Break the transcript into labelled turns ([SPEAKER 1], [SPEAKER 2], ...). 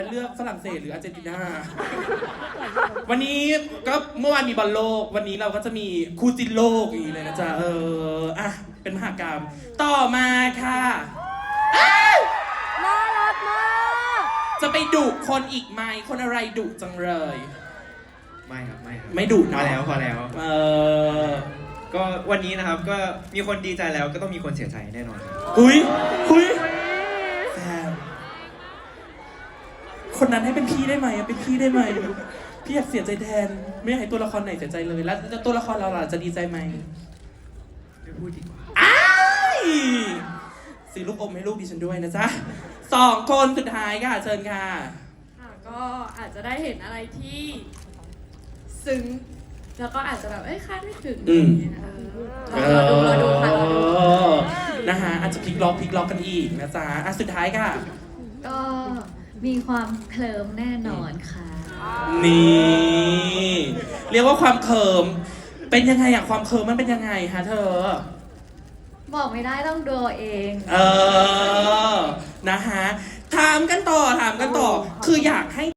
[SPEAKER 1] เลือกฝรั่งเศสหรืออาร์เจนตินาวันนี้ก็เมื่อวานมีบอลโลกวันนี้เราก็จะมีคู่จินโลกอย่างนี้เลยนะจ๊ะอ่ะเป็นมหากรรมต่อมาค่ะ
[SPEAKER 2] น่ารักมาก
[SPEAKER 1] จะไปดุคนอีกไหมคนอะไรดุจังเลย
[SPEAKER 3] ไม่ครับ
[SPEAKER 1] ไม่ดุ
[SPEAKER 3] พอ
[SPEAKER 1] นะ
[SPEAKER 3] แล้วก็วันนี้นะครับก็มีคนดีใจแล้วก็ต้องมีคนเสียใจแน่นอนครับ
[SPEAKER 1] หุยแซมคนนั้นให้เป็นพี่ได้ไหมเป็นพี่ได้ไหมพี่อยากเสียใจแทนไม่อยากให้ตัวละครไหนเสียใจเลยแล้วตัวละครเราล่ะจะดีใจไหม
[SPEAKER 3] ไม่พูดดีกว่า
[SPEAKER 1] อ้ายซื้อลูกอมให้ลูกดิฉันด้วยนะจ๊ะ2 คนสุดท้ายค่ะเชิญค่ะ
[SPEAKER 2] ค่ะก็อาจจะได้เห็นอะไรที่ซึ้งแล้วก็อาจจะแบบคาดไม่ถึงอย่างเงี้ยนะคะรอดูค่ะรอดู
[SPEAKER 1] นะฮะอาจจะพลิกล็อกกันอีกนะจ๊ะอ่ะสุดท้ายค่ะ
[SPEAKER 4] ก็มีความเคลิ้มแน่นอนค่ะ
[SPEAKER 1] นี่เรียกว่าความเขิมเป็นยังไงอะความเขิมมันเป็นยังไงฮะเธอ
[SPEAKER 4] บอกไม่ได้ต้องดูเอง
[SPEAKER 1] นะฮะถามกันต่อคืออยากให้